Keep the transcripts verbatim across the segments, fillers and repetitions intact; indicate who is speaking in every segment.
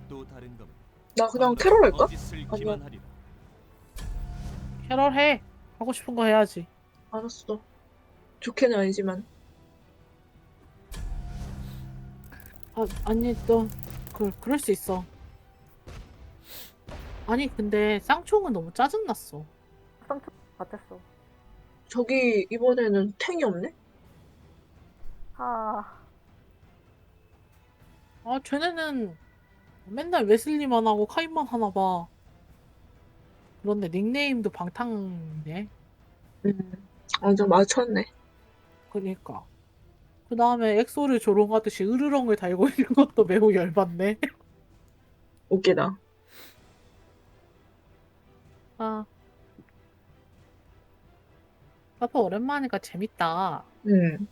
Speaker 1: 또 다른 검은
Speaker 2: 나 그냥 캐롤 할까?
Speaker 1: 거짓을
Speaker 2: 아니야.
Speaker 1: 기만하리라.
Speaker 3: 캐럴 해. 하고 싶은 거 해야지.
Speaker 2: 알았어. 좋게는 아니지만.
Speaker 3: 아, 아니, 또, 그, 그럴 수 있어. 아니, 근데 쌍총은 너무 짜증났어.
Speaker 4: 쌍총 같았어.
Speaker 2: 저기 이번에는 탱이 없네?
Speaker 4: 아,
Speaker 3: 아, 쟤네는 맨날 웨슬리만 하고 카인만 하나 봐. 그런데 닉네임도 방탕이네.
Speaker 2: 음, 완전 맞췄네.
Speaker 3: 그니까. 그 다음에 엑소를 조롱하듯이 으르렁을 달고 있는 것도 매우 열받네.
Speaker 2: 웃기다.
Speaker 3: 아. 아빠 오랜만이니까 재밌다.
Speaker 2: 음,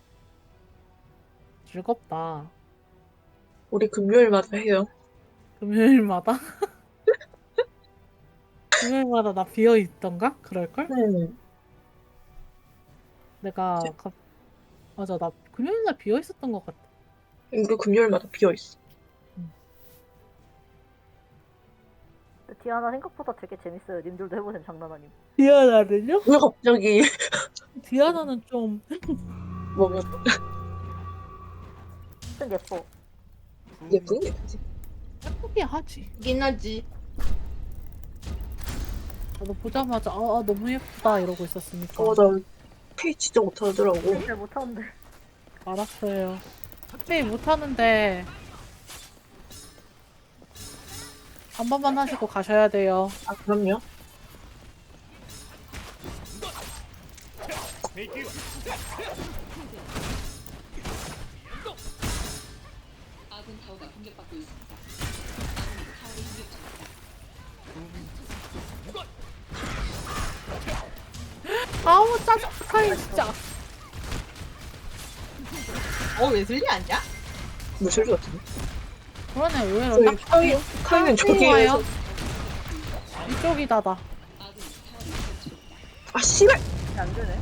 Speaker 3: 즐겁다.
Speaker 2: 우리 금요일마다 해요.
Speaker 3: 금요일마다? 금요일마다 나 비어있던가? 그럴걸?
Speaker 2: 네.
Speaker 3: 내가 갑... 맞아, 나 금요일날 비어있었던 것 같아.
Speaker 2: 우리 금요일마다 비어있어.
Speaker 4: 근데 디아나 생각보다 되게 재밌어요. 님들도 해보세요. 장난 아님.
Speaker 3: 디아나는요?
Speaker 2: 왜 갑자기
Speaker 3: 디아나는 좀
Speaker 2: 뭐면
Speaker 4: 좀 예뻐.
Speaker 2: 예쁜 게 되지?
Speaker 3: 예쁘게 하지.
Speaker 2: 긴 하지.
Speaker 3: 나도 보자마자 아, 아, 너무 예쁘다 이러고 있었으니까.
Speaker 2: 어, 나 페이 진짜 못하더라고.
Speaker 4: 잘 못하는데.
Speaker 3: 알았어요. 회의 못하는데 한 번만 하시고 가셔야 돼요.
Speaker 2: 아, 그럼요.
Speaker 5: 아군 타워가 공격받고 있습니다.
Speaker 3: 아우 짜증나 진짜.
Speaker 6: 어 웨슬리 아니야?
Speaker 2: 무술주 같은데?
Speaker 3: 그러네 의외로
Speaker 2: 저기
Speaker 3: 딱
Speaker 2: 카이, 카이는 저기
Speaker 3: 와요. 이쪽이다다.
Speaker 2: 아, 씨발!
Speaker 4: 안 되네.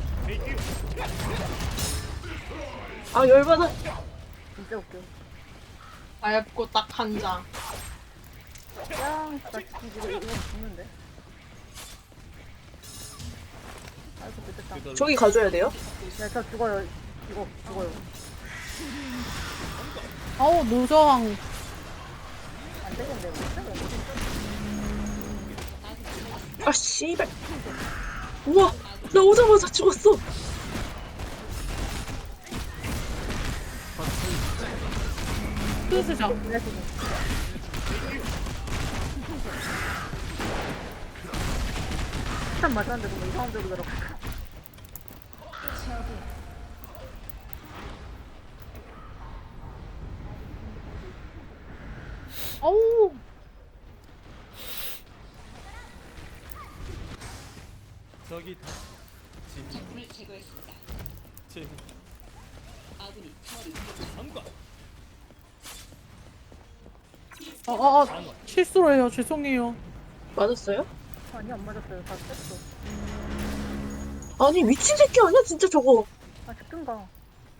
Speaker 2: 아, 열받아.
Speaker 4: 진짜 웃겨.
Speaker 6: 얇고 딱 한 장.
Speaker 4: 야, 나 이거 이거 죽는데. 아이고 됐다.
Speaker 2: 저기 가줘야 돼요?
Speaker 4: 야, 저 죽어요. 이거 죽어요.
Speaker 3: 아우 노저항.
Speaker 4: 안 되겠네. 이거.
Speaker 2: 아, 씨발. 우와, 나 오자마자 죽었어.
Speaker 3: 쓰자.
Speaker 4: 일단 맞았는데 너무 이상한 데로 들어가.
Speaker 3: 아우
Speaker 1: 저기 다 진짜
Speaker 5: 적군을 제거했습니다.
Speaker 1: 재미
Speaker 5: 아군이 타워를 공격
Speaker 1: 삼과
Speaker 3: 아, 아, 아 실수로 해요. 죄송해요.
Speaker 2: 맞았어요?
Speaker 4: 아니 안 맞았어요. 다 뺐어.
Speaker 2: 아니, 미친 새끼 아니야, 진짜 저거.
Speaker 4: 아 죽든가.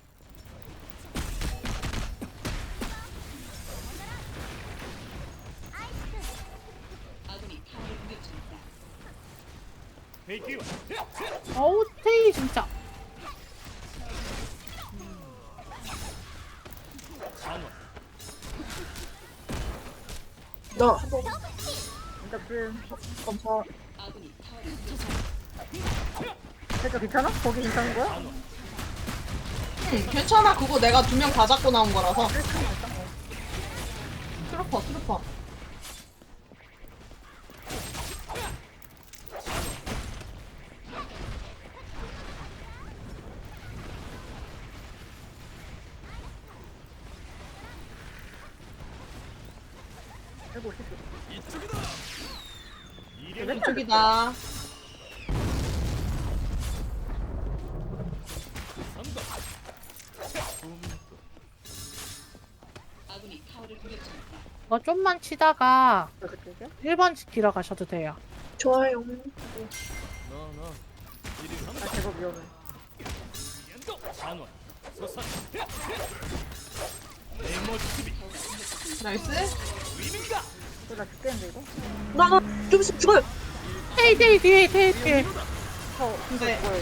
Speaker 5: 아군이 타워를 공격 중입니다.
Speaker 1: 회기와
Speaker 3: 아우 테이 진짜.
Speaker 1: 단원
Speaker 2: 나 한 번
Speaker 4: 진짜 그
Speaker 2: 감사.
Speaker 5: 아군이 타워를 공격
Speaker 4: 진짜 괜찮아? 거기 괜찮은 거야?
Speaker 6: 응 괜찮아. 그거 내가 두 명 다 잡고 나온 거라서. 트루퍼 트루퍼.
Speaker 4: 알고 오십시오.
Speaker 1: 이쪽이다. 이래
Speaker 6: 왼쪽이다.
Speaker 1: 삼과
Speaker 5: 아군이 타워를 공격 중입니다.
Speaker 3: 이거 좀만 치다가
Speaker 4: 그쪽이야?
Speaker 3: 일 번 지키러 가셔도 돼요.
Speaker 2: 좋아요.
Speaker 1: 너너 이리
Speaker 4: 아
Speaker 1: 삼과
Speaker 4: 제법 위험해.
Speaker 1: 연도 단원 소선 네모 수비
Speaker 6: 나이스.
Speaker 1: 위민가
Speaker 4: 나 죽겠는데 이거?
Speaker 2: 나나좀 있으면 죽어요.
Speaker 3: 테이 테이 뒤에 테이 뒤에.
Speaker 4: 저
Speaker 6: 근데
Speaker 4: 뭐예요?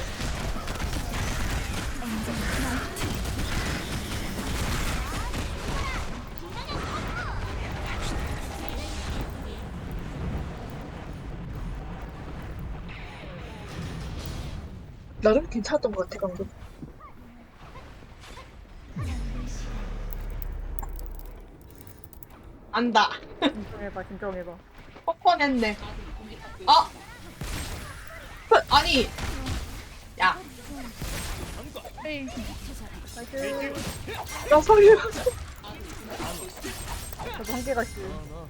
Speaker 2: 나름 괜찮았던 것 같아 방금.
Speaker 6: 안다.
Speaker 4: 진정해봐 진정해봐.
Speaker 6: 뻔뻔했네.
Speaker 5: 아군이 공격받고 있습니다.
Speaker 6: 아! 아니! 야,
Speaker 3: 테이.
Speaker 4: 나이스.
Speaker 2: 나 살려.
Speaker 4: 저도 한계가 씨.
Speaker 1: 너너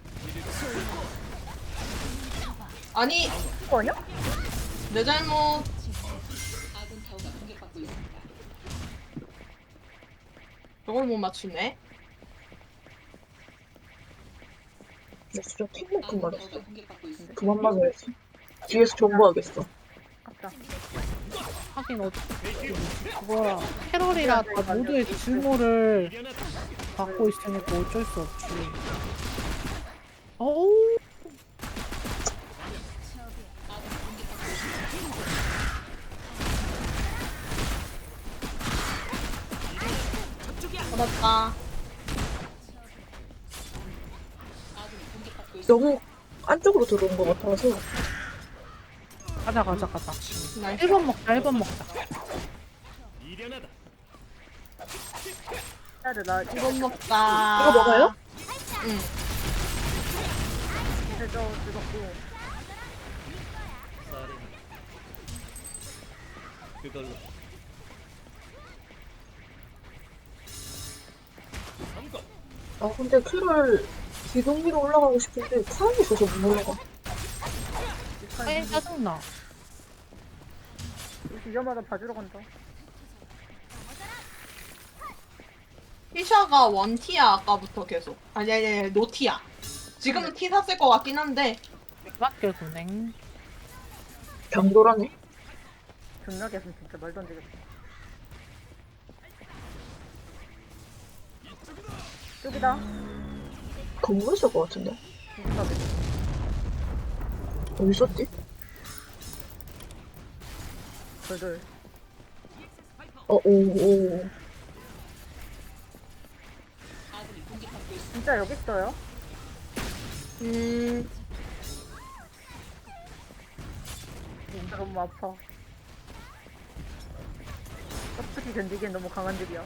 Speaker 6: 아니,
Speaker 4: 이거 아니야?
Speaker 6: 내 잘못.
Speaker 5: 아군 타워가 공격받고 있습니다.
Speaker 6: 저걸 못 맞추네.
Speaker 2: 나 진짜 탱만큼
Speaker 5: 아군
Speaker 2: 맞았어.
Speaker 5: 타워가 공격받고 있습니다.
Speaker 2: 그만 맞아야지. 뒤에서 정보하겠어.
Speaker 4: 아깝다.
Speaker 3: 하긴 어 그거야 캐럴이라 다 모두의 증오를
Speaker 1: 미련하다.
Speaker 3: 받고 있으니까 어쩔 수 없지. 어우
Speaker 6: 받았다.
Speaker 5: 아군이 공격받고 있습니다.
Speaker 2: 너무 안쪽으로 들어온 것 같아서.
Speaker 3: 가자 가자 가자.
Speaker 6: 나이스.
Speaker 3: 일 번 먹자 일 번 먹자.
Speaker 1: 미련하다.
Speaker 4: 해야 돼. 나 이거
Speaker 6: 이건 먹자.
Speaker 2: 이거 먹어요?
Speaker 6: 응.
Speaker 4: 이제 저 죽었고.
Speaker 1: 사례는 그걸로 삼거
Speaker 2: 아 근데 큐를 기둥 위로 올라가고 싶은데 사람이 있어서 못 올라가.
Speaker 3: 아이 짜증나.
Speaker 4: 위험하다 봐주러 간다.
Speaker 6: 티샤가 원티야, 아까부터 계속. 아니, 아니, 아니, 노티야. 지금은 티 샀을 것 같긴 한데.
Speaker 3: 밖에 군행.
Speaker 2: 병돌하네.
Speaker 4: 존나게 했으면 진짜 말도 안 되겠다. 여기다.
Speaker 2: 건물에 있을 것 같은데.
Speaker 4: 진짜 돼.
Speaker 2: 어디 있었지?
Speaker 4: 덜덜.
Speaker 2: 어, 오, 오.
Speaker 5: 아군이 공격받고 있습니다.
Speaker 4: 진짜 여기 있어요?
Speaker 6: 음,
Speaker 4: 진짜 너무 아파. 떡볶이 견디기엔 너무 강한 들이야.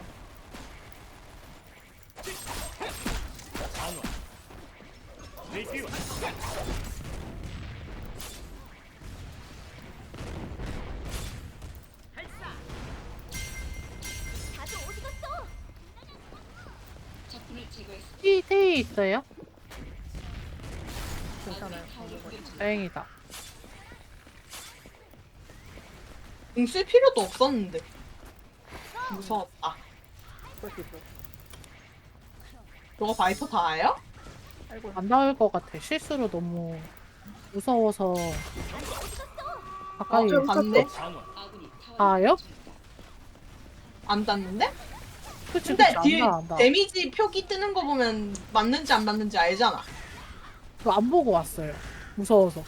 Speaker 1: 단원 내기와
Speaker 5: 적군을 제거했습니다.
Speaker 3: 티 테이 있어요?
Speaker 4: 괜찮아요.
Speaker 5: 타워를 공격 중.
Speaker 3: 다행이다.
Speaker 6: 궁쓸 필요도 없었는데. 무서웠다.
Speaker 4: 그럴 수 있어.
Speaker 6: 저거 바이퍼 다예요?
Speaker 4: 아이고.
Speaker 3: 안 나올 것 같아. 실수로 너무 무서워서 가까이
Speaker 2: 좀
Speaker 6: 봤네?
Speaker 1: 단원
Speaker 5: 아군이 타워를
Speaker 3: 가요?
Speaker 5: 공격 중입니다.
Speaker 6: 안 닿는데?
Speaker 3: 그치
Speaker 6: 근데
Speaker 3: 그치
Speaker 6: 뒤에
Speaker 3: 안다 안다.
Speaker 6: 데미지 표기 뜨는 거 보면 맞는지 안 맞는지 알잖아.
Speaker 3: 그거 안 보고 왔어요. 무서워서.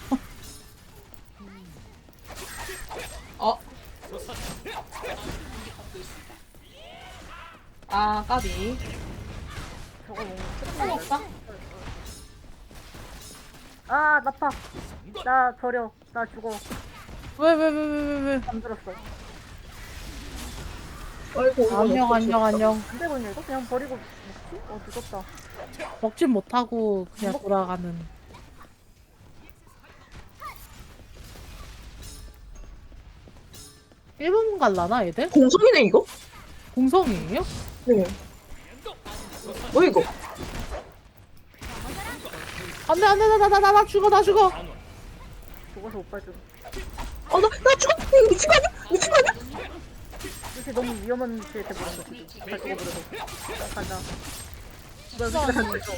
Speaker 6: 어?
Speaker 1: 솟아
Speaker 5: 공격받고 있습니다.
Speaker 6: 아, 까비.
Speaker 4: 저거 뭔가
Speaker 6: 어, 없다?
Speaker 4: 아, 나파. 나 버려. 나 죽어.
Speaker 3: 왜 왜 왜 왜 왜 왜?
Speaker 4: 안 들었어.
Speaker 2: 아이고, 이거
Speaker 3: 안녕
Speaker 2: 어떡해,
Speaker 3: 안녕
Speaker 2: 진짜.
Speaker 3: 안녕.
Speaker 4: 안 되거든요, 이거? 그냥 버리고 먹지? 어, 죽었다.
Speaker 3: 먹진 못하고 그냥 돌아가는. 일본 갈라나 얘들?
Speaker 2: 공성이네 이거?
Speaker 3: 공성이에요?
Speaker 2: 네. 뭐 이거?
Speaker 3: 안돼 안돼 나 나 나 나 나 죽어 나 죽어.
Speaker 1: 단원
Speaker 4: 죽어서 오빠 좀.
Speaker 2: 아, 나, 나 죽어! 이거 미친 거 아니야? 미친 거 아니야?
Speaker 4: 이렇게 너무 위험한 위치에 돼버렸어, 지금. 잘 죽어버려서. 가자. 뭐야, 여기가 다 죽어.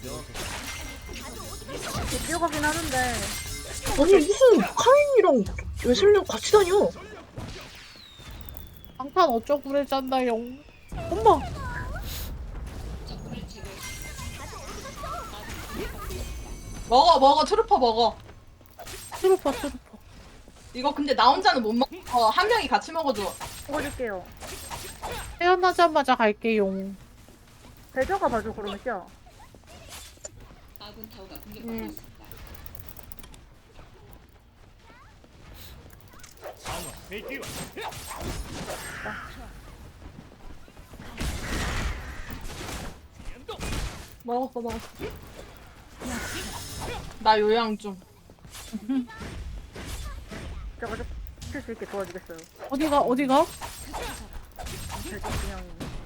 Speaker 4: 이렇게 뛰어가긴 하는데.
Speaker 2: 아니, 무슨 카인이랑 웨슬리랑 같이 다녀?
Speaker 3: 방탄 어쩌고 그래 짠다요. 엄마.
Speaker 5: 적군을 제거했습니다. 아군이 공격받고 있습니다.
Speaker 6: 먹어 먹어 트루퍼 먹어.
Speaker 3: 트루퍼 트루퍼.
Speaker 6: 이거 근데 나 혼자는 못 먹어. 한 명이 같이 먹어줘.
Speaker 4: 먹어줄게요.
Speaker 3: 태어나자마자 갈게요.
Speaker 4: 배저가 봐줘 그러면 씨야.
Speaker 5: 아군 타워가 공격받고
Speaker 6: 음.
Speaker 5: 있습니다.
Speaker 1: 강화 대기와 연동
Speaker 6: 먹었어 먹었어. 나 요양 좀.
Speaker 4: 저거 좀 칠 수 있게 도와주겠어요.
Speaker 3: 어디가 어디가?
Speaker 4: 배저 그냥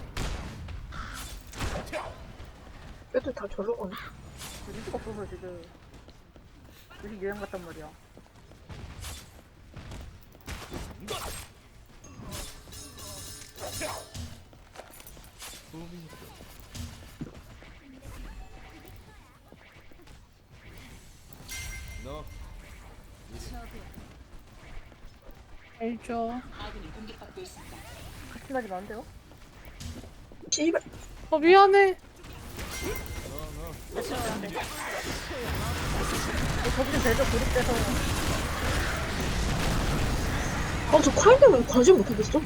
Speaker 2: 애들 다 저러 가네.
Speaker 4: 리스가 없어서 지금 요새 유행 같단 말이야.
Speaker 1: 너
Speaker 3: 알죠.
Speaker 5: 아군이 공격받고 있습니다.
Speaker 4: 같이 나지 마는데요?
Speaker 2: 씨발.
Speaker 3: 어 미안해.
Speaker 4: 저기는 배저 고립돼서
Speaker 2: 아, 저 칼 때문에 관심 못하겠어?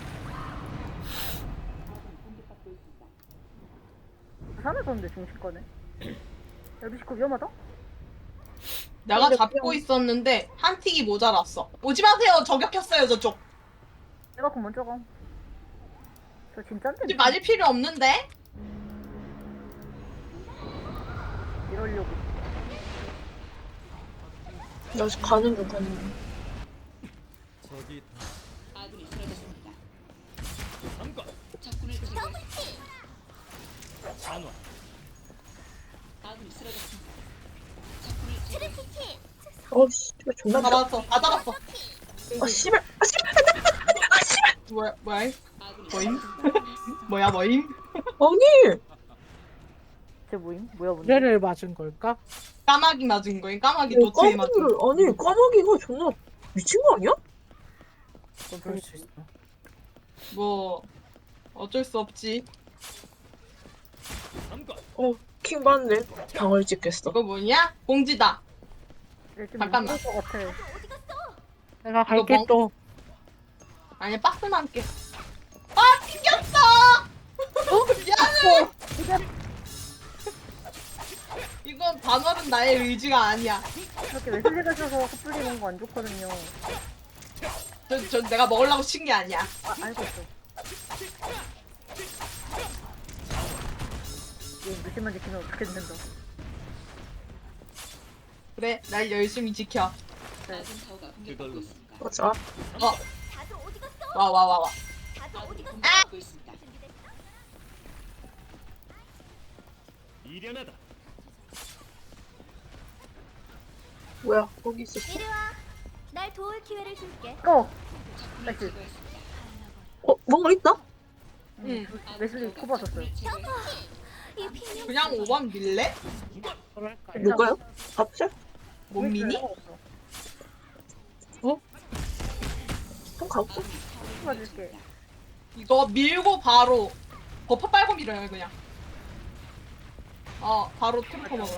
Speaker 4: 부산에서 오는데 중심권에. 야 미식코 위험하다?
Speaker 6: 내가
Speaker 2: 근데
Speaker 6: 잡고
Speaker 2: 그냥-
Speaker 6: 있었는데 한 틱이 모자랐어. 오지 마세요. 저격했어요 저쪽.
Speaker 4: 내가 그럼 먼저 가. 저 진짠데?
Speaker 6: 굳이 맞을 필요 없는데.
Speaker 4: 이러려고.
Speaker 2: 나 지금 가는 중, 가는 중.
Speaker 1: 저기
Speaker 5: 아군이 쓰러졌습니다.
Speaker 1: 삼과
Speaker 5: 적군을 제거했습니다.
Speaker 1: 강화
Speaker 5: 아군이 쓰러졌습니다. 적군을 제거했습니다.
Speaker 2: 어, 씨발, 존나
Speaker 6: 다
Speaker 2: 짜.
Speaker 6: 잡았어. 다 잡았어.
Speaker 2: 아, 씨발. 아, 씨발.
Speaker 6: 뭐야 뭐야?
Speaker 5: 아군이
Speaker 6: 뭐임?
Speaker 5: 쓰러졌습니다.
Speaker 6: 뭐야 뭐임?
Speaker 2: 아니!
Speaker 4: 쟤 뭐임? 뭐야 뭔데?
Speaker 3: 노래를 맞은 걸까?
Speaker 6: 까마귀 맞은 거임. 까마귀
Speaker 2: 어,
Speaker 6: 도트에 맞은.
Speaker 2: 까마귀를, 아니, 까마귀가 존나 미친 거 아니야?
Speaker 3: 그건 그럴 수 있어.
Speaker 6: 뭐 어쩔 수 없지.
Speaker 1: 삼과
Speaker 2: 어, 킹 받네. 방을 찍겠어.
Speaker 6: 이거 뭐냐? 공지다.
Speaker 4: 얘좀
Speaker 6: 잠깐만.
Speaker 4: 무서울 것 같아.
Speaker 3: 내가 갈게
Speaker 6: 뭐-
Speaker 3: 또.
Speaker 6: 아니 박스만 깨. 아 튕겼어. 어? 미안해. 이건 반월은 나의 의지가 아니야.
Speaker 4: 이렇게 웨슬리가 있어서 커플링 온거 안 좋거든요.
Speaker 6: 저, 저 내가 먹으려고 친 게 아니야.
Speaker 4: 아 알고 있어. 얘 무심한 지키면 어떻게 된다.
Speaker 6: 그래, 날 열심히 지켜.
Speaker 5: 아군 타워가 공격받고 있습니다.
Speaker 2: 맞아.
Speaker 6: 어, 와, 와, 와, 와.
Speaker 5: 아군이 공격받고 있습니다.
Speaker 1: 미련하다.
Speaker 2: 뭐야, 거기 있었어.
Speaker 7: 이리 와. 날 도울 기회를 줄게.
Speaker 4: 어!
Speaker 5: 적군을
Speaker 4: 나이스.
Speaker 5: 제거했습니다.
Speaker 2: 어, 뭔가 있다?
Speaker 6: 응.
Speaker 4: 웨슬리 코 봤었어요.
Speaker 7: 이 비명.
Speaker 6: 그냥 오 번 밀래?
Speaker 3: 그럴까요?
Speaker 2: 누가요? 밥살?
Speaker 6: 못 미니?
Speaker 2: 어? 좀 가볼게.
Speaker 4: 코 봐줄게.
Speaker 6: 이거 밀고 바로 버퍼 빨고 밀어요, 그냥. 어, 바로 트루퍼 먹으러.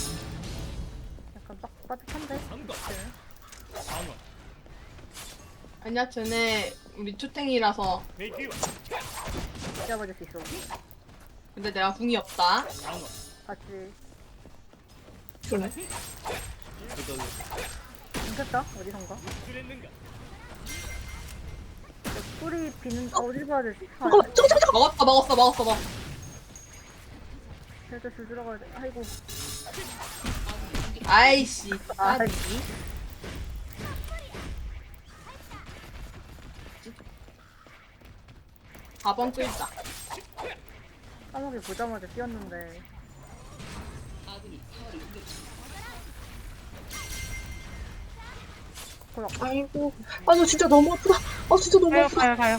Speaker 4: 약간 빡 빠듯한데?
Speaker 1: 삼과 강화
Speaker 6: 아니야, 쟤네 우리 투탱이라서.
Speaker 1: 대기와
Speaker 4: 잡아줄 수 있어.
Speaker 6: 근데 내가 궁이 없다.
Speaker 1: 강화
Speaker 4: 같이.
Speaker 2: 그러네.
Speaker 1: 그걸로
Speaker 4: 괜찮다? 어디선가?
Speaker 1: 그랬는가?
Speaker 4: 뿌리 비는, 아, 어디 봐야 되지? 아,
Speaker 2: 잠깐만, 잠깐, 잠깐,
Speaker 6: 먹었어, 먹었어, 먹었어, 먹었어.
Speaker 4: 살짝 줄 들어가야 돼. 아이고.
Speaker 6: 아이씨.
Speaker 4: 아,
Speaker 6: 아, 사 번 끌자.
Speaker 4: 까마귀 보자마자 뛰었는데.
Speaker 5: 아군이 타워를 공격 중.
Speaker 4: 거의
Speaker 2: 잠깐. 아이고. 아, 너 진짜 너무 아프다. 아, 진짜 너무
Speaker 3: 가요
Speaker 2: 아프다.
Speaker 3: 가요 가요.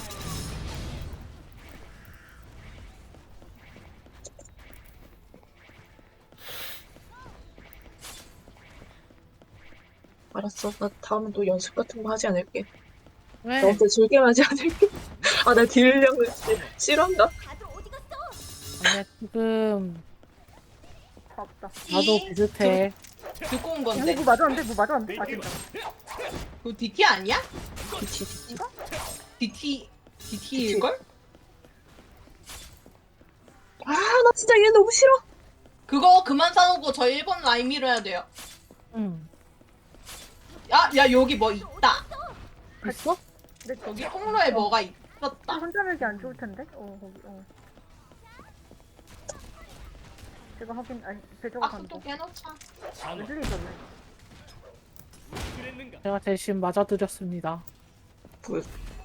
Speaker 2: 알았어. 나 다음엔 또 연습 같은 거 하지 않을게.
Speaker 3: 왜?
Speaker 2: 너한테 즐겨 하지 않을게. 아, 나 딜량을 싫어한다.
Speaker 7: 다들 어디 갔어?
Speaker 3: 근데 지금
Speaker 4: 다 없다.
Speaker 3: 나도 비슷해.
Speaker 6: 듣고 온
Speaker 4: 어,
Speaker 6: 건데.
Speaker 4: 뭐 맞았는데? 뭐 맞았는데? 아 진짜.
Speaker 6: 그 디티 아니야?
Speaker 2: 그치, 그치.
Speaker 6: 디티 디티일걸?
Speaker 2: 아, 나 진짜 얘 너무 싫어.
Speaker 6: 그거 그만 사오고 저 일본 라인 밀어야 돼요.
Speaker 3: 응.
Speaker 6: 야, 야 여기 뭐 있다.
Speaker 3: 있어?
Speaker 4: 근데
Speaker 6: 여기 통로에 뭐가 있었다.
Speaker 4: 혼자 밀기 안 좋을 텐데? 어 거기 어. 제가 확인 아니 배조가
Speaker 6: 박스
Speaker 4: 간다.
Speaker 6: 또 깨놓자.
Speaker 1: 단원
Speaker 4: 웨슬리 있었네.
Speaker 1: 그랬는가?
Speaker 3: 제가 대신 맞아드렸습니다.
Speaker 2: 보여.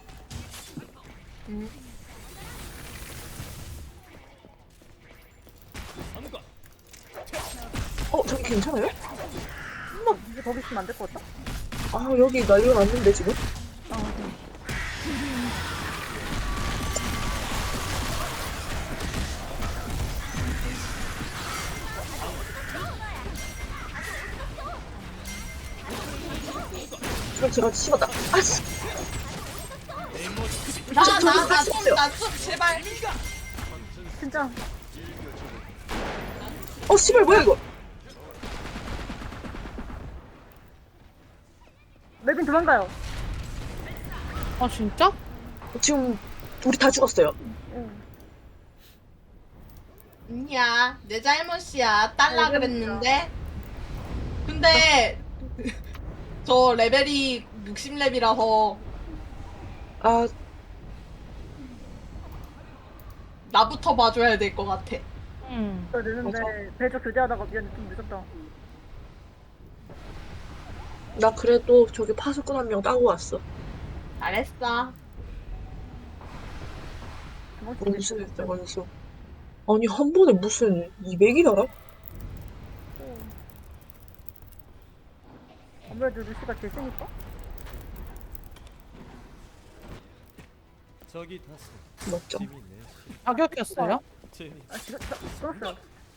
Speaker 6: 음.
Speaker 1: 삼과
Speaker 2: 어, 저기 괜찮아요?
Speaker 4: 이제 거기 있으면 안 될 것 같다.
Speaker 2: 아, 여기 난리가 났는데, 지금?
Speaker 4: 아 네.
Speaker 2: 그럼 제가 씹었다. 아, 씨.
Speaker 6: 나나나좀나좀 제발.
Speaker 4: 진짜
Speaker 2: 어, 씨발, 뭐야, 이거?
Speaker 4: 멜빈 도망가요.
Speaker 3: 아 진짜?
Speaker 2: 지금, 우리 다 죽었어요.
Speaker 4: 응.
Speaker 6: 아니야 내 잘못이야. 딸라 그랬는데. 근데 저 레벨이 육십 렙이라서
Speaker 2: 아,
Speaker 6: 나부터 봐줘야 될 것 같아.
Speaker 3: 응.
Speaker 4: 저 늦는데 배조 교대하다가 미안해 좀 늦었다.
Speaker 2: 나 그래도 저기 파수꾼 한 명 따고 왔어.
Speaker 6: 잘했어.
Speaker 4: 도망치기
Speaker 2: 원수 했어, 원수. 아니, 한 번에 무슨 이백이더라?
Speaker 4: 아무래도 루시가 제일 세니까?
Speaker 1: 저기 다스
Speaker 2: 맞죠?
Speaker 1: 재밌네.
Speaker 3: 자격했어요?
Speaker 1: 재미
Speaker 4: 아 지금 저- 끊었어요.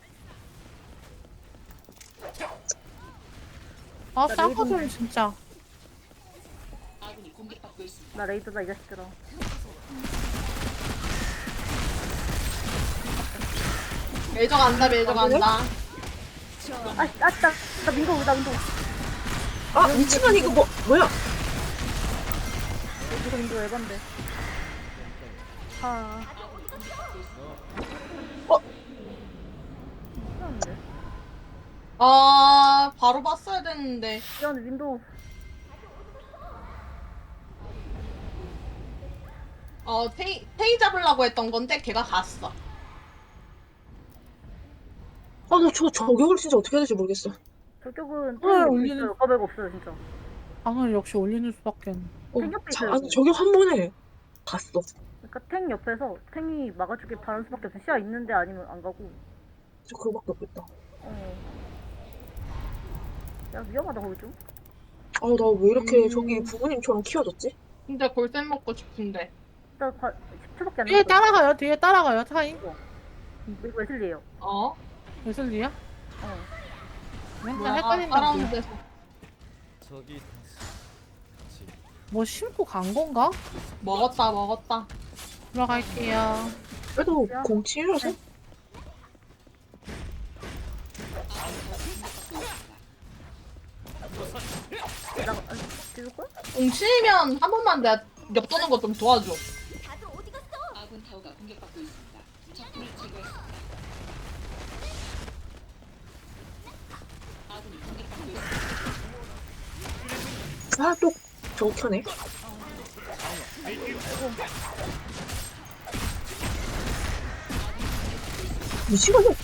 Speaker 3: 아
Speaker 4: 나
Speaker 3: 쌍꺼풀 진짜.
Speaker 5: 아군이 공격받고 있습니다.
Speaker 4: 나 레이더다 이 자식들아.
Speaker 6: 매저 간다 매저 간다.
Speaker 4: 아, 아, 나, 나 민고, 나 민고.
Speaker 2: 아, 미친년 이거 뭐, 뭐야?
Speaker 4: 민고, 민고 에반데. 아.
Speaker 2: 어?
Speaker 4: 미안한데.
Speaker 6: 아 바로 봤어야 됐는데.
Speaker 4: 미안해, 민도.
Speaker 6: 어 테이 테이 잡으려고 했던 건데 걔가 갔어.
Speaker 2: 아, 나 저 저격을 진짜 어떻게 해야 될지 모르겠어.
Speaker 4: 저격은
Speaker 3: 어,
Speaker 4: 탱이
Speaker 3: 올리는-
Speaker 4: 있어요. 거백 없어요, 진짜.
Speaker 3: 방을 역시 올리는 수밖에.
Speaker 2: 어,
Speaker 4: 생각도
Speaker 2: 자,
Speaker 4: 있어요.
Speaker 2: 아니, 저격 한 번에 갔어.
Speaker 4: 그러니까 탱 옆에서 탱이 막아주길 바라는 수밖에 없어. 시야 있는데 아니면 안 가고.
Speaker 2: 저 그거밖에 없겠다.
Speaker 4: 어. 야, 위험하다, 거기 좀.
Speaker 2: 아, 나 왜 이렇게
Speaker 6: 음.
Speaker 2: 저기 부모님처럼 키워졌지?
Speaker 6: 진짜 골쌤 먹고 싶은데.
Speaker 4: 일단 과, 십 초밖에 안
Speaker 3: 뒤에
Speaker 4: 남았어.
Speaker 3: 따라가요. 뒤에 따라가요. 타임.
Speaker 4: 이거 웨슬리에요.
Speaker 6: 어?
Speaker 3: 웨슬리야?
Speaker 4: 어.
Speaker 3: 맨날
Speaker 6: 뭐야
Speaker 3: 헷갈린다.
Speaker 6: 따라오는 데서.
Speaker 1: 저기 다스 지
Speaker 3: 뭐 심고 간 건가?
Speaker 6: 먹었다 먹었다.
Speaker 3: 들어갈게요.
Speaker 2: 그래도
Speaker 4: 야.
Speaker 2: 공칠이라서?
Speaker 4: 나, 아, 찍을걸?
Speaker 6: 공치면 한 번만 내가 엽도는 거 좀 도와줘.
Speaker 7: 다들 어디 갔어?
Speaker 5: 아군 타워가 공격받고 있습니다. 적군을 제거했습니다. 아군이 공격받고 있습니다.
Speaker 2: 아, 또 저거 켜네. 미치겠네.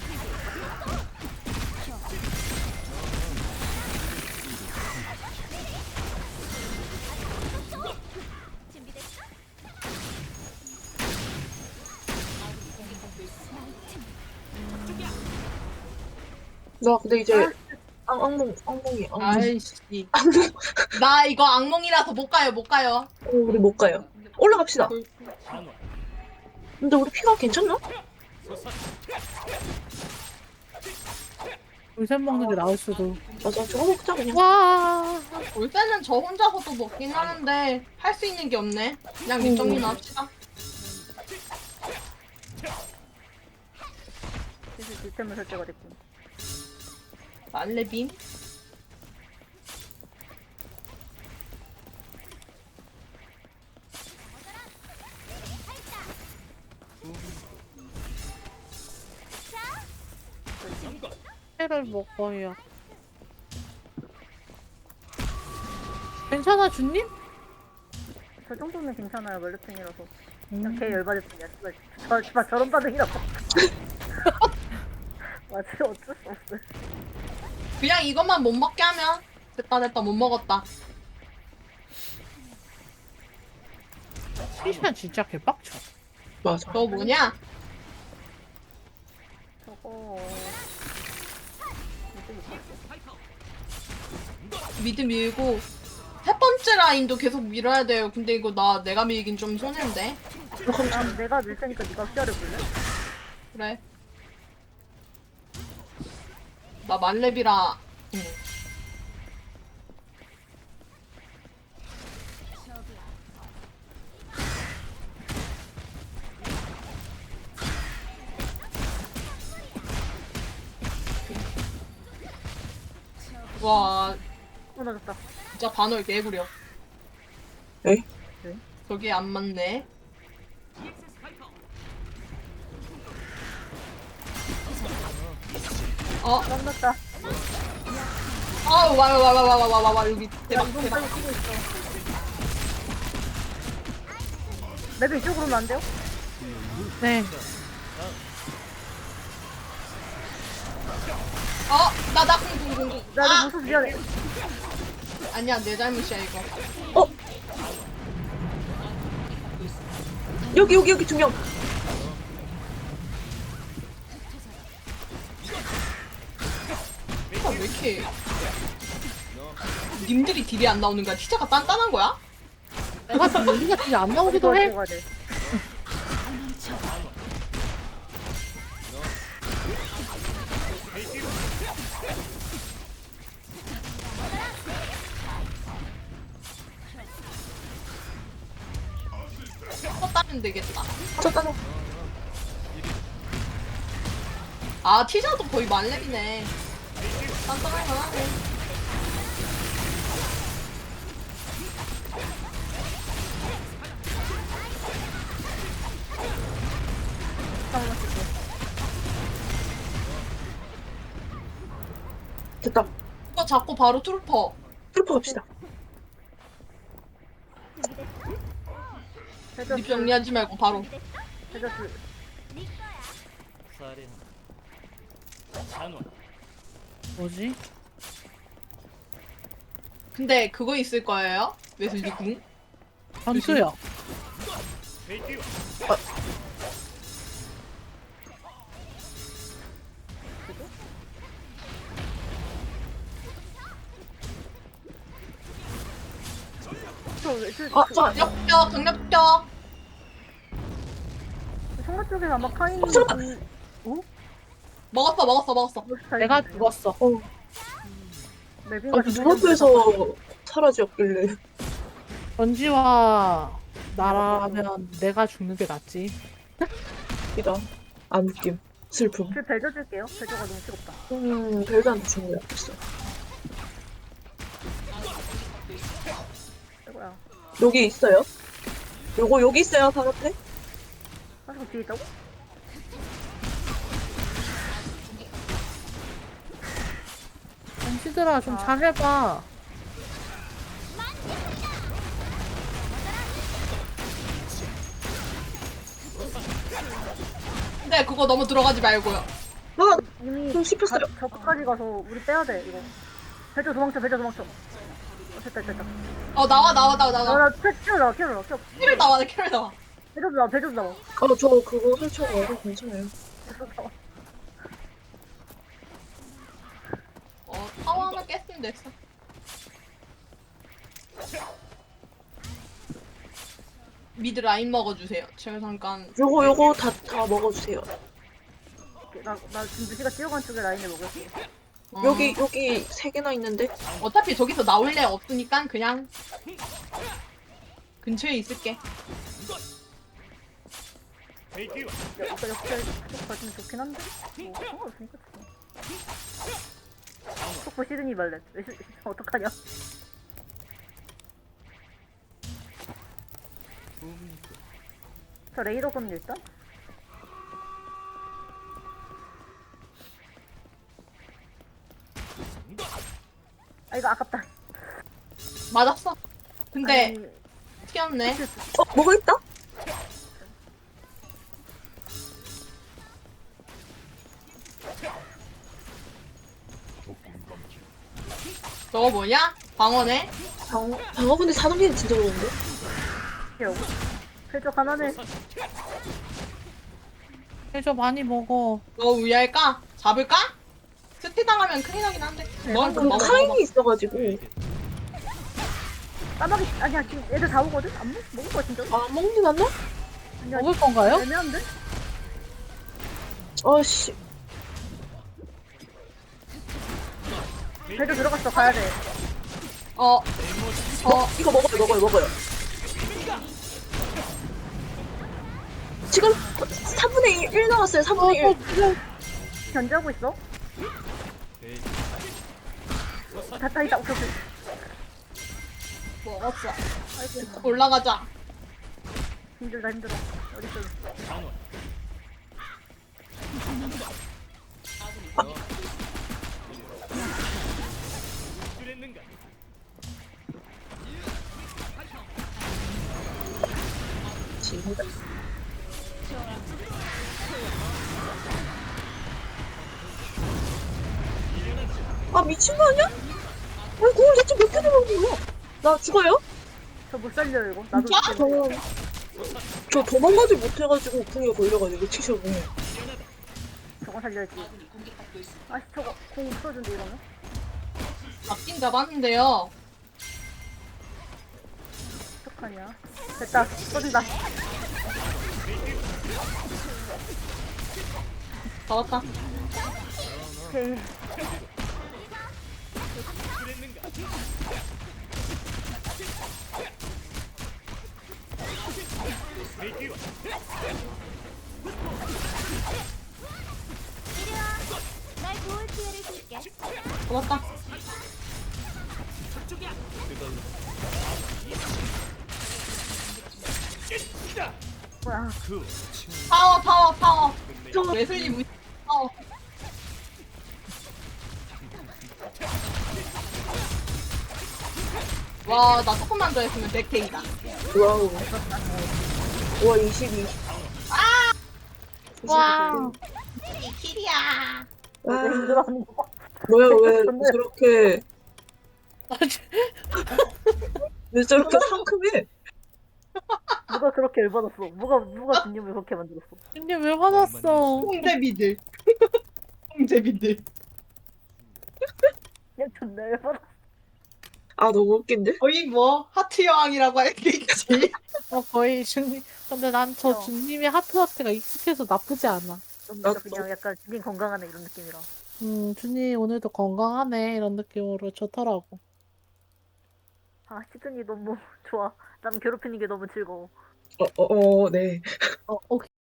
Speaker 7: 준비됐어?
Speaker 2: 나 근데 이제 악, 악몽, 악몽이, 악몽.
Speaker 6: 아이씨. 나 이거 악몽이라서 못 가요 못 가요.
Speaker 2: 어, 우리 못 가요. 올라갑시다.
Speaker 1: 단원
Speaker 2: 근데 우리 피가 괜찮나?
Speaker 3: 울샘 먹는 게 나을 수도.
Speaker 2: 맞아, 저거 먹자, 그냥.
Speaker 3: 와.
Speaker 6: 골쌤은 저 혼자서도 먹긴 하는데 할 수 있는 게 없네. 그냥 밑정리나 합시다.
Speaker 4: 그래서 시스템을 설정가 됐군.
Speaker 6: 말레빔?
Speaker 3: 회를 먹어요. 괜찮아 주님?
Speaker 4: 저 정도면 괜찮아요. 멀르팽이라서. 그냥
Speaker 3: 음.
Speaker 4: 개 열받을 뿐이야. 씨발. 저 씨발 저런 반응이라고. 맞아 어쩔 수 없어.
Speaker 6: 그냥 이것만 못 먹게 하면 됐다 됐다 못 먹었다.
Speaker 3: 시시한 진짜 개빡쳐.
Speaker 2: 맞아.
Speaker 6: 너 뭐냐?
Speaker 4: 저거 이제 못 봤어.
Speaker 6: 미드 밀고 세 번째 라인도 계속 밀어야 돼요. 근데 이거 나 내가 밀긴 좀 손해인데.
Speaker 4: 난 내가 밀 테니까 네가 기다려볼래?
Speaker 6: 그래. 나 만렙이라. 응. 와,
Speaker 4: 끊어졌다.
Speaker 6: 진짜 반월 개구려.
Speaker 2: 에?
Speaker 6: 저게 안 맞네. 어,
Speaker 4: 끝났다.
Speaker 6: 아우, 와, 와, 와, 와, 와, 와, 와, 와, 여기 대박,
Speaker 4: 이동
Speaker 6: 대박.
Speaker 4: 빨리 뛰고 있어. 맵이 이쪽으로 오면 안 돼요?
Speaker 3: 네.
Speaker 6: 어, 나, 나, 공, 공, 공, 공.
Speaker 4: 나도
Speaker 6: 아,
Speaker 4: 무슨 미안해.
Speaker 6: 아니야, 내 잘못이야, 이거.
Speaker 2: 어? 여기 여기 여기 두 명.
Speaker 6: 아, 왜 이렇게. 님들이 딜이 안 나오는 거야? 티자가 단단한 거야?
Speaker 3: 내가 지금 여기가 되게 안 나오기도 해.
Speaker 4: 가야 돼.
Speaker 6: 또 따면 되겠다.
Speaker 2: 저 따라.
Speaker 6: 아, 티자도 거의 만렙이네. 단단할 만하네.
Speaker 4: 잠깐만 쓸게.
Speaker 2: 됐다.
Speaker 6: 이거 잡고 바로 트루퍼.
Speaker 2: 트루퍼 갑시다.
Speaker 6: 립
Speaker 4: 해저스.
Speaker 6: 정리하지 말고 바로.
Speaker 4: 해저스.
Speaker 1: 사린 잔원
Speaker 3: 뭐지?
Speaker 6: 근데 그거 있을 거예요? 웨슬리 궁?
Speaker 3: 전투야.
Speaker 4: 저 왜-
Speaker 2: 아, 저 아니야.
Speaker 6: 강력적, 강력적.
Speaker 4: 성가 쪽에서 아마 카인이
Speaker 2: 어, 잠깐.
Speaker 4: 오?
Speaker 6: 먹었어, 먹었어, 먹었어.
Speaker 3: 내가 죽었어.
Speaker 2: 어.
Speaker 4: 맵인가
Speaker 2: 아니 눈앞에서 사라졌길래.
Speaker 3: 전지와 나라면 내가 죽는 게 낫지.
Speaker 2: 이다. 안 웃김. 슬픔.
Speaker 4: 그 벨저 줄게요. 벨저가 너무 뜨겁다.
Speaker 2: 음, 별도한테 주는 게 없어.
Speaker 4: 이거야.
Speaker 2: 여기 있어요? 요거 여기 있어요, 바로 앞에?
Speaker 4: 가지고 뒤에 있다고?
Speaker 3: 전지들아 좀 잘해봐.
Speaker 6: 근데 그거 너무 들어가지 말고요.
Speaker 2: 아,
Speaker 4: 이미
Speaker 2: 좀 씹혔어요.
Speaker 4: 가- 저까지 가서 우리 빼야 돼 이거. 벨저 도망쳐, 벨저 도망쳐. 어, 됐다, 됐다.
Speaker 6: 어, 나와, 나와, 나와, 나와.
Speaker 4: 나나 튀어 나와, 튀어 나와, 튀어.
Speaker 6: 키를 나와, 나 키를 나와.
Speaker 4: 벨저 나와, 벨저 나와.
Speaker 2: 아, 저 그거 설치하고 괜찮아요.
Speaker 4: 벨저 나와.
Speaker 6: 어, 타워 하나 깼으면 됐어. 미드 라인 먹어주세요. 제가 잠깐.
Speaker 2: 요거 요거 다 다 먹어주세요.
Speaker 4: 나, 나 지금 루시가 뛰어간 쪽에 라인을 먹을게.
Speaker 6: 어,
Speaker 2: 여기 여기 세 개나 있는데.
Speaker 6: 어차피 저기서 나올 애 없으니까 그냥 근처에 있을게.
Speaker 4: 야, 이거 역시 쪽 가지면 좋긴 한데? 뭐, 상관없으니까 좋아. 속보 시드니 말렛. 왜 시- 어떡하냐? 저 레이더건 일단? 아 이거 아깝다.
Speaker 6: 맞았어. 근데
Speaker 4: 아니,
Speaker 6: 튀었네.
Speaker 2: 어, 뭐가 있다?
Speaker 6: 저거 뭐냐? 방어네?
Speaker 2: 방어, 방어분들 사동기는 진짜 좋은데?
Speaker 4: 여보. 쾌적 하나네.
Speaker 3: 해줘 많이 먹어.
Speaker 6: 너 우야할까? 잡을까? 스티 당하면 큰일 나긴 한데. 뭐
Speaker 2: 그
Speaker 6: 먹어, 먹어.
Speaker 2: 카인이 있어가지고.
Speaker 4: 까마귀 아니야 지금 애들 다 오거든? 안 먹, 먹을 거야 진짜?
Speaker 2: 아, 먹는 않나?
Speaker 4: 아니야
Speaker 3: 먹을 건가요?
Speaker 4: 애매한데?
Speaker 2: 아씨.
Speaker 4: 배도 들어갔어 가야 돼.
Speaker 6: 어, 어,
Speaker 2: 이거 먹어요, 먹어요, 먹어요. 지금 삼분의 일, 일 나왔어요, 삼분의 일.
Speaker 4: 견제하고 있어? 다 따이다 오케이 오케이.
Speaker 6: 먹었어.
Speaker 4: 아이고
Speaker 6: 올라가자.
Speaker 4: 힘들다 힘들어. 어딨어?
Speaker 1: 단원. 그랬는가?
Speaker 2: 지금. 아, 미친 거 아니야? 아니, 그걸 대체 몇 개나 먹는 거야? 나 죽어요?
Speaker 4: 저 못 살려 이거. 나도
Speaker 6: 진짜?
Speaker 4: 죽겠네.
Speaker 2: 저, 저 도망가지 못해가지고 궁에 걸려가지고 치셔고.
Speaker 4: 저거 살려야지.
Speaker 5: 아군이 공격받고 있습니다.
Speaker 4: 아씨 저거 공 없어진대 이러면?
Speaker 6: 잡긴 잡았는데요.
Speaker 4: 어떡하냐? 됐다 쏟는다.
Speaker 6: 잡았다.
Speaker 4: 오케이.
Speaker 7: 날 도울 기회를 줄게.
Speaker 6: 잡았다.
Speaker 4: 뭐야?
Speaker 6: 파워, 파워, 파워. 웨슬리 무 파워. 와, 나 조금만 더 했으면 백 케이다.
Speaker 2: 와우. 와, 이십이.
Speaker 6: 와, 이 킬이야.
Speaker 2: 와,
Speaker 4: 힘들어하는 거.
Speaker 2: 뭐야, 왜 저렇게, 왜 저렇게 상큼해?
Speaker 4: 누가 그렇게 열받았어? 누가 누가 진님을 그렇게 만들었어?
Speaker 3: 근데 왜 화났어?
Speaker 6: 홍제비들. 홍제비들.
Speaker 4: 그냥 존나 열받았어.
Speaker 2: 아, 너무 웃긴데?
Speaker 6: 거의 뭐 하트 여왕이라고 할 게 있지.
Speaker 3: 어, 거의 준님. 근데 난 저
Speaker 4: 어.
Speaker 3: 준님의 하트하트가 익숙해서 나쁘지 않아.
Speaker 4: 좀
Speaker 2: 나도.
Speaker 4: 그냥 약간 진님 건강하네 이런 느낌이라.
Speaker 3: 음, 준님 오늘도 건강하네. 이런 느낌으로 좋더라고.
Speaker 4: 아 시즌이 너무 좋아. 남 괴롭히는 게 너무 즐거워.
Speaker 2: 어, 어, 어, 네.
Speaker 3: 어, 어,